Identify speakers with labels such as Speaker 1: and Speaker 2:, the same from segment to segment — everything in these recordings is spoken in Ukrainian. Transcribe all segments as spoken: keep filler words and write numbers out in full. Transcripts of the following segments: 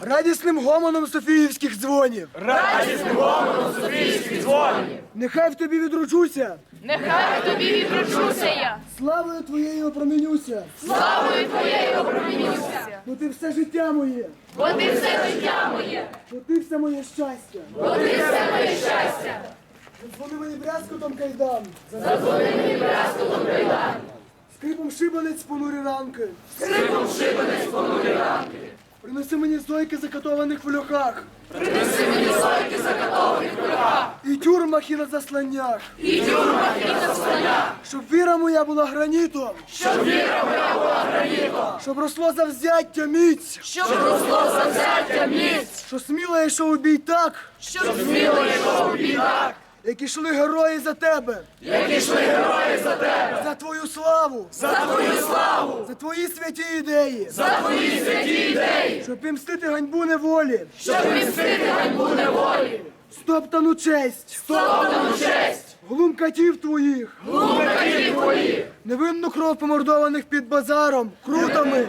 Speaker 1: Радісним гомоном Софіївських дзвонів.
Speaker 2: Радісним гомоном Софіївських дзвонів.
Speaker 1: Нехай в тобі відроджуся.
Speaker 3: Нехай в тобі відроджуся я.
Speaker 1: Славою твоєю опромінюся.
Speaker 3: Славою твоєю опромінюся.
Speaker 1: Бо ти все життя моє.
Speaker 3: Бо ти все життя моє.
Speaker 1: Бо ти все моє щастя.
Speaker 3: Бо ти все моє щастя.
Speaker 1: Задзвони мені брязкотом кайдан.
Speaker 3: Задзвони мені брязкотом кайдан.
Speaker 1: Скрипом шибанець понурі ранки.
Speaker 3: Скрипом шибанець понурі ранки.
Speaker 1: Принеси мені зойки закатованих в льохах.
Speaker 3: Принеси мені зойки закатованих в льохах.
Speaker 1: І тюрмах, і на засланнях.
Speaker 3: І тюрмах, і на засланнях.
Speaker 1: Щоб віра моя була гранітом.
Speaker 3: Щоб віра моя була гранітом.
Speaker 1: Щоб росло завзяття міць.
Speaker 3: Щоб росло завзяття міць.
Speaker 1: Що сміло йшов у бій так,
Speaker 3: Щоб сміло йшов у бій так.
Speaker 1: як ішли герої за тебе.
Speaker 3: Як ішли герої за тебе.
Speaker 1: За твою славу.
Speaker 3: За твою славу.
Speaker 1: За твої святі ідеї.
Speaker 3: За твої святі ідеї.
Speaker 1: Щоб мстити ганьбу неволі.
Speaker 3: Щоб відмстити ганьбу неволі.
Speaker 1: Стоптану честь.
Speaker 3: Стоптану честь.
Speaker 1: Глум катів твоїх.
Speaker 3: Глум катів твоїх.
Speaker 1: Невинну кров помордованих під базаром. Крутами.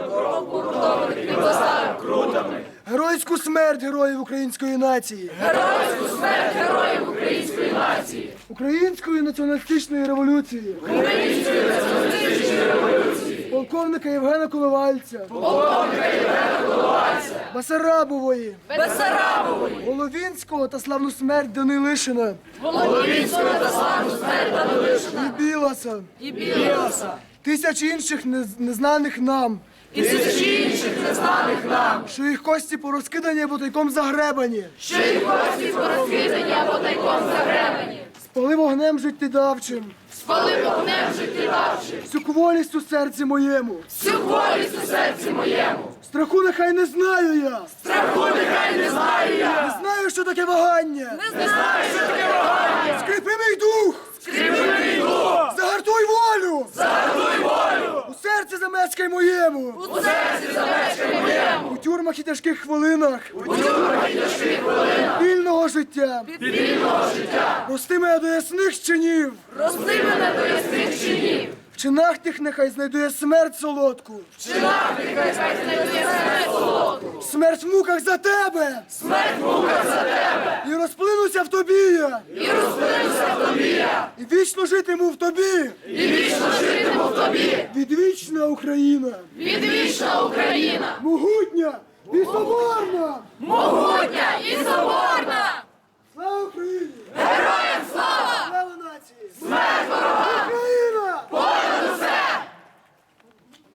Speaker 3: Під базаром крутами.
Speaker 1: Геройську смерть героїв української нації.
Speaker 3: Геройську смерть героїв української нації.
Speaker 1: Української націоналістичної революції.
Speaker 3: Української націоналістичної революції.
Speaker 1: Полковника Євгена Коновальця.
Speaker 3: Полковника Євгена Коновальця.
Speaker 1: Басарабової.
Speaker 3: Бессарабової.
Speaker 1: Головінського та славну смерть Данилишина.
Speaker 3: Володінського та славну смерть Данилишина.
Speaker 1: І Білоса.
Speaker 3: І Білоса.
Speaker 1: Тисяч інших нез- незнаних нам.
Speaker 3: І тисячі інших незнаних нам.
Speaker 1: Що їх кості порозкидані або тайком загребані.
Speaker 3: Що їх кості порозкидані або тайком загребані.
Speaker 1: Спали вогнем життєдавчим.
Speaker 3: Спали вогнем життєдавчим.
Speaker 1: Всю кволість у серці моєму.
Speaker 3: Всю волість у серці моєму.
Speaker 1: Страху нехай не знаю я.
Speaker 3: Страху нехай не знаю я.
Speaker 1: Не знаю, що таке вагання.
Speaker 3: Не знаю, що таке вагання.
Speaker 1: Скріпи мій дух.
Speaker 3: Скріпи мій дух.
Speaker 1: Загартуй волю.
Speaker 3: Загартуй волю.
Speaker 1: У серці замешкай моєму.
Speaker 3: У серці замешкай моєму.
Speaker 1: У тюрмах і тяжких хвилинах.
Speaker 3: У тюрмах і тяжких хвилинах.
Speaker 1: Вільного життя.
Speaker 3: Вільного життя.
Speaker 1: Прости мене до ясних чинів.
Speaker 3: Рости мене до ясних чинів.
Speaker 1: В чинах тих нехай знайдує смерть солодку.
Speaker 3: В чинах нехай знайдує смерть солодку.
Speaker 1: Смерть в муках за тебе.
Speaker 3: Смерть в муках за тебе.
Speaker 1: І розплинуся в тобі я.
Speaker 3: І розплинуся в тобі я.
Speaker 1: І вічно житиму в тобі.
Speaker 3: І вічно житиму в тобі.
Speaker 1: Відвічна Україна.
Speaker 3: Відвічна Україна.
Speaker 1: Могутня і соборна.
Speaker 3: Могутня і соборна.
Speaker 1: Слава Україні!
Speaker 3: Героям слава!
Speaker 1: Слава нації!
Speaker 3: Смерть ворогам!